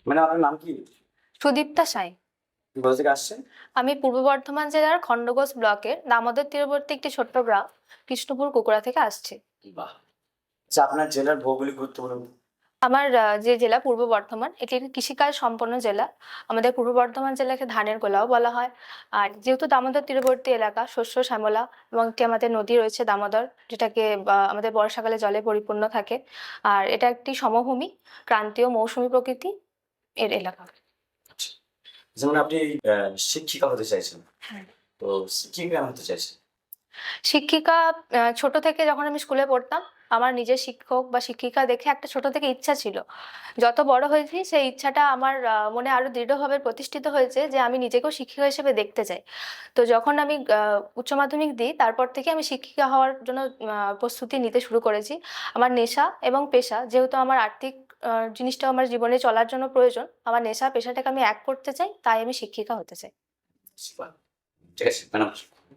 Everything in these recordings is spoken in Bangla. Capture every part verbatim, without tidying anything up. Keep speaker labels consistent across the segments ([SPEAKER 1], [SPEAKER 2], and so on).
[SPEAKER 1] মানে আপনার নাম কি?
[SPEAKER 2] সুদীপ্তা সাঁই।
[SPEAKER 1] কোথা থেকে আসছেন?
[SPEAKER 2] আমি পূর্ব বর্ধমান জেলার খণ্ডঘোষ ব্লকের দামোদর তীরবর্তী একটি ছোট্ট গ্রাম কৃষ্ণপুর কুকুরা থেকে আসছি।
[SPEAKER 1] বাহ! আচ্ছা, আপনার জেলার ভৌগোলিক গুরুত্ব বলুন।
[SPEAKER 2] আমার আহ, যে জেলা পূর্ব বর্ধমান, এটি একটি কৃষিকাজ সম্পন্ন জেলা। আমাদের পূর্ব বর্ধমান জেলাকে ধানের গোলাও বলা হয়। আর যেহেতু দামোদর তীরবর্তী এলাকা, শস্য শ্যামলা, এবং একটি আমাদের নদী রয়েছে দামোদর, যেটাকে আহ, আমাদের বর্ষাকালে জলে পরিপূর্ণ থাকে। আর এটা একটি সমভূমি, ক্রান্তীয় মৌসুমী প্রকৃতি এর এলাকা।
[SPEAKER 1] আচ্ছা, যেমন আপনি আহ, শিক্ষিকা হতে চাইছেন,
[SPEAKER 2] হ্যাঁ।
[SPEAKER 1] তো শিক্ষিকা কেন হতে চাইছেন?
[SPEAKER 2] শিক্ষিকা, আহ, ছোট থেকে যখন আমি স্কুলে পড়তাম, আমার নিজের শিক্ষক বা শিক্ষিকা দেখে একটা ছোট থেকে ইচ্ছা ছিল। যত বড় হয়েছি সেই ইচ্ছাটা আমার আহ, মনে আরো দৃঢ়ভাবে প্রতিষ্ঠিত হয়েছে যে আমি নিজেকেও শিক্ষিকা হিসেবে দেখতে চাই। তো যখন আমি আহ, উচ্চ মাধ্যমিক দিই, তারপর থেকে আমি শিক্ষিকা হওয়ার জন্য আহ, প্রস্তুতি নিতে শুরু করেছি। আমার নেশা এবং পেশা, যেহেতু আমার আর্থিক আহ, জিনিসটা আমার জীবনে চলার জন্য প্রয়োজন, আমার নেশা পেশাটাকে আমি এক করতে চাই, তাই আমি শিক্ষিকা হতে চাই।
[SPEAKER 1] বাহ! ঠিক আছে ম্যাডাম।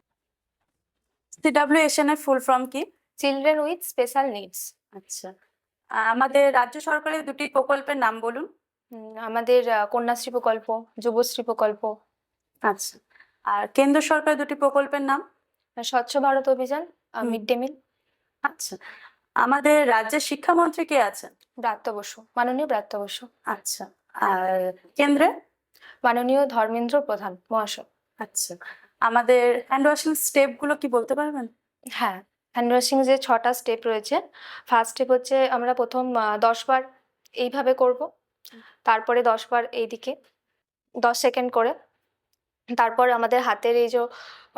[SPEAKER 3] সিডাব্লিউএসএন এর ফুল ফর্ম কি?
[SPEAKER 2] Children with special needs.
[SPEAKER 3] আচ্ছা, আহ, আমাদের রাজ্য সরকারের দুটি প্রকল্পের নাম বলুন।
[SPEAKER 2] আমাদের আহ, কন্যাশ্রী প্রকল্প, যুবশ্রী প্রকল্প।
[SPEAKER 3] আচ্ছা, আর কেন্দ্র সরকারের দুটি প্রকল্পের নাম।
[SPEAKER 2] স্বচ্ছ ভারত অভিযান,
[SPEAKER 3] হুম।
[SPEAKER 2] Mid day meal.
[SPEAKER 3] আচ্ছা, আমাদের রাজ্যের শিক্ষামন্ত্রী কে আছেন?
[SPEAKER 2] ব্রাত্য বসু, মাননীয় ব্রাত্য বসু।
[SPEAKER 3] আচ্ছা, আর কেন্দ্রে?
[SPEAKER 2] মাননীয় ধর্মেন্দ্র প্রধান মহাশয়।
[SPEAKER 3] আচ্ছা, আমাদের হ্যান্ড ওয়াশিং স্টেপ গুলো কি বলতে পারবেন?
[SPEAKER 2] হ্যাঁ, হ্যান্ড ওয়াশিং যে ছটা স্টেপ রয়েছে, ফার্স্ট স্টেপ হচ্ছে আমরা প্রথম আহ, দশ বার এইভাবে করব, তারপরে দশ বার এইদিকে, দশ সেকেন্ড করে। তারপর আমাদের হাতের এই যে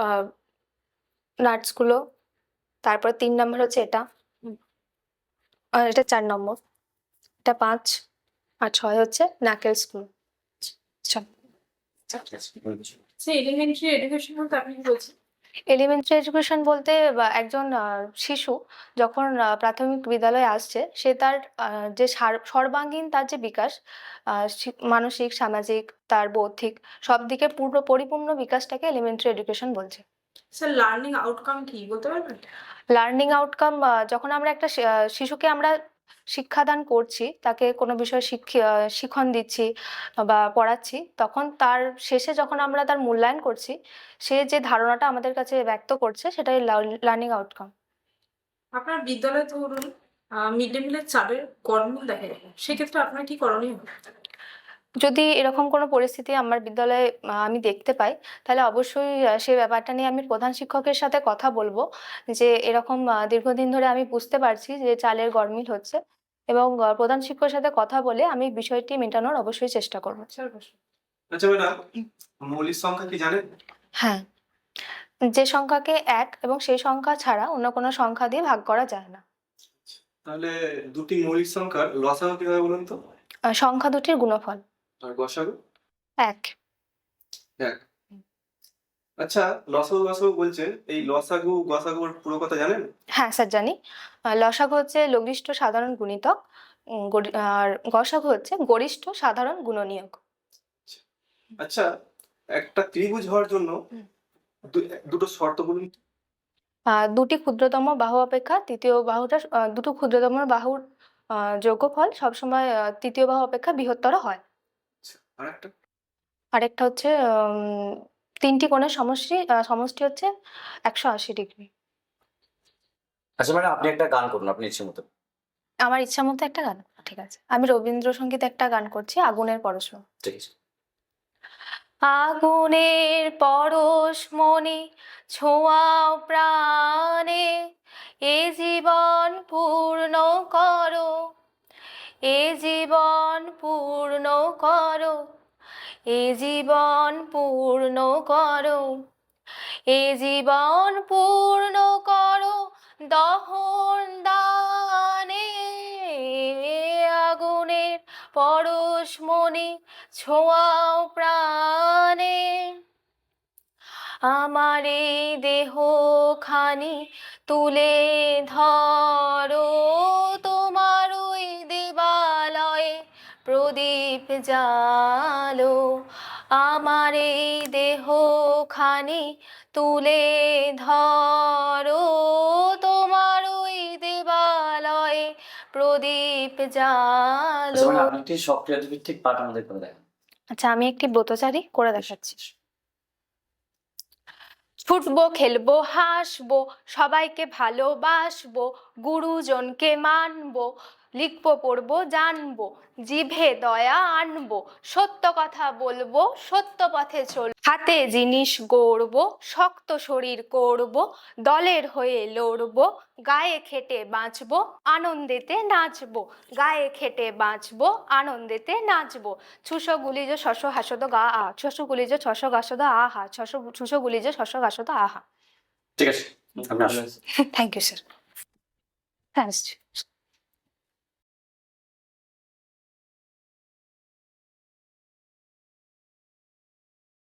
[SPEAKER 2] নাটসগুলো, তারপর তিন নম্বর হচ্ছে এটা, আর এটা চার নম্বর, এটা পাঁচ, আর ছয় হচ্ছে নাকেলসগুলো। ছয়।
[SPEAKER 1] ঠিক আছে, হুম।
[SPEAKER 3] এলিমেন্টারি এডুকেশন বলতে আপনি কি বলছেন?
[SPEAKER 2] এলিমেন্টারি এডুকেশন বলতে বা একজন আহ, শিশু যখন আহ, প্রাথমিক বিদ্যালয়ে আসছে, সে তার আহ, যে সার- সর্বাঙ্গীন তার যে বিকাশ, আহ, শি- মানসিক, সামাজিক, তার বৌদ্ধিক সব দিকে পূর্ণ পরিপূর্ণ বিকাশটাকে এলিমেন্টারি এডুকেশন বলছে।
[SPEAKER 3] স্যার, লার্নিং আউটকাম কি বলতে পারবেন?
[SPEAKER 2] লার্নিং আউটকাম, যখন আমরা একটা শি- আহ, শিশুকে আমরা শিক্ষাদান করছি, তাকে কোনো বিষয়ে শিক্ষি আহ, শিখন দিচ্ছি বা পড়াচ্ছি, তখন তার শেষে যখন আমরা তার মূল্যায়ন করছি, সে যে ধারণাটা আমাদের কাছে ব্যক্ত করছে, সেটাই লার্নিং আউটকাম।
[SPEAKER 4] আপনার বিদ্যালয়ে ধরুন মিড ডে মিলের চাপের গরমিল দেখা যায়, সেক্ষেত্রে আপনার কি করণীয়?
[SPEAKER 2] যদি এরকম কোনো পরিস্থিতি আমার বিদ্যালয়ে আহ, আমি দেখতে পাই, তাহলে অবশ্যই আহ, সেই ব্যাপারটা নিয়ে আমি প্রধান শিক্ষকের সাথে কথা বলবো, যে এরকম আহ, দীর্ঘদিন ধরে আমি বুঝতে পারছি যে চালের গরমিল হচ্ছে, এবং আহ, প্রধান শিক্ষকের সাথে কথা বলে আমি বিষয়টি মেটানোর অবশ্যই চেষ্টা করবো।
[SPEAKER 5] আচ্ছা ম্যাডাম, মৌলিক সংখ্যা কি জানেন?
[SPEAKER 2] হ্যাঁ, যে সংখ্যাকে এক এবং সেই সংখ্যা ছাড়া অন্য কোনো সংখ্যা দিয়ে ভাগ করা যায় না।
[SPEAKER 5] তাহলে দুটি মৌলিক সংখ্যার লসাগু কি হবে বলুন তো?
[SPEAKER 2] আহ, সংখ্যা দুটির গুণফল
[SPEAKER 5] আর গসাগু?
[SPEAKER 2] এক।
[SPEAKER 5] এক। আচ্ছা, লসাগু গসাগু বলছে, এই লসাগু গসাগুর পুরো কথা জানেন?
[SPEAKER 2] হ্যাঁ স্যার, জানি। আহ, লসাগু হচ্ছে লঘিষ্ঠ সাধারণ গুণিতক, উম, গরি- আর গসাগু হচ্ছে গরিষ্ঠ সাধারণ গুণনীয়ক।
[SPEAKER 5] আচ্ছা, একটা ত্রিভুজ হওয়ার জন্য
[SPEAKER 2] হুম।
[SPEAKER 5] দু- দুটো শর্ত বলুন তো।
[SPEAKER 2] আহ, দুটি ক্ষুদ্রতম বাহু অপেক্ষা তৃতীয় বাহুটা, আহ, দুটো ক্ষুদ্রতম বাহুর আহ, যোগফল সবসময় আহ, তৃতীয় বাহু অপেক্ষা বৃহত্তর হয়।
[SPEAKER 5] আর একটা?
[SPEAKER 2] আরেকটা হচ্ছে উম, তিনটি কোণের সমষ্টি, আহ, সমষ্টি হচ্ছে একশো আশি ডিগ্রি।
[SPEAKER 1] আচ্ছা ম্যাডাম, আপনি একটা গান করুন আপনি ইচ্ছে মতো।
[SPEAKER 2] আমার ইচ্ছা মতো একটা গান, ঠিক আছে, আমি রবীন্দ্রসঙ্গীত একটা গান করছি, আগুনের পরশমণি।
[SPEAKER 1] ঠিক আছে।
[SPEAKER 2] আগুনের পরশমণি ছোঁয়াও প্রাণে, এ জীবন পূর্ণ করো, এ জীবন পূর্ণ করো, এ জীবন পূর্ণ করো, এ জীবন পূর্ণ করো দহন দানে, আগুনের পরশমণি ছোঁয়াও প্রাণে, আমার এই দেহ খানি তুলে ধরো, তোমার ওই দেবালয়ে প্রদীপ জালো, আমার এই দেহ খানি তুলে ধরো, তোমার ওই দেবালয়ে প্রদীপ
[SPEAKER 1] আচ্ছা
[SPEAKER 2] জালো।
[SPEAKER 1] মানে আপনি একটি সক্রিয় ভিত্তিক পাঠ আমাদের করে দেখান।
[SPEAKER 2] আচ্ছা আমি একটি ব্রতচারী করে দেখাচ্ছি। ছুটবো, খেলবো, হাসবো, সবাইকে ভালোবাসবো, গুরুজনকে মানবো, লিখবো, পড়বো, জানবো, জিভে দয়া আনবো, সত্য কথা বলবো, সত্য পথে চলবো, হাতে জিনিস গড়বো, শক্ত শরীর করবো, দলের হয়ে লড়বো, গায়ে খেটে বাঁচবো, আনন্দেতে নাচবো, গায়ে খেটে বাঁচবো, আনন্দেতে নাচবো। ছুসো গুলিজ শশ হাসদ গা আ, ছশো গুলিজ ছশ গাসদ আহা, ছশো ছুসো গুলিজ শশ গাসদ আহা।
[SPEAKER 1] ঠিক আছে আপনি আসুন।
[SPEAKER 2] Thank you sir. থ্যাংকস।